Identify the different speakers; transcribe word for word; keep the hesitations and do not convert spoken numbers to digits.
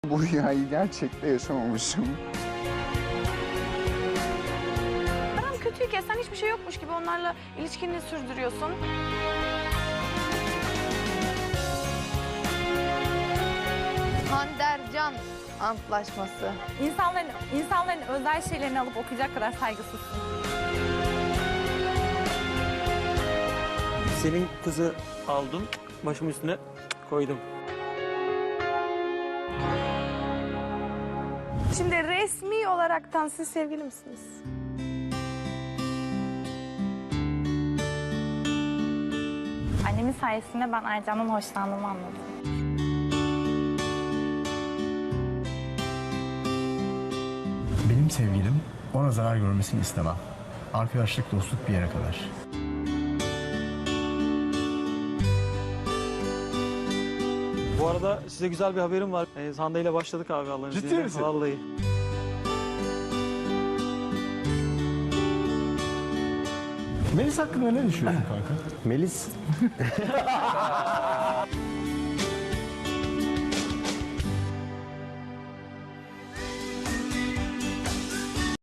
Speaker 1: bu rüyayı gerçekte yaşamamışım.
Speaker 2: Aran kötüyken sen hiçbir şey yokmuş gibi onlarla ilişkini sürdürüyorsun.
Speaker 3: Handercan Antlaşması.
Speaker 4: İnsanların, insanların özel şeylerini alıp okuyacak kadar saygısızsın.
Speaker 5: Senin kızı aldım, başımın üstüne koydum.
Speaker 2: Şimdi resmi olaraktan siz sevgili misiniz?
Speaker 4: Annemin sayesinde ben Ercan'dan hoşlandığımı anladım.
Speaker 6: Benim sevgilim ona zarar görmesini istemem. Arkadaşlık, dostluk bir yere kadar.
Speaker 5: Bu arada size güzel bir haberim var. Ee, Hande ile başladık abi Allah'ın
Speaker 6: Ciddi
Speaker 5: izniyle.
Speaker 6: misin?
Speaker 5: Vallahi.
Speaker 6: Melis hakkında ne düşünüyorsun kanka?
Speaker 7: Melis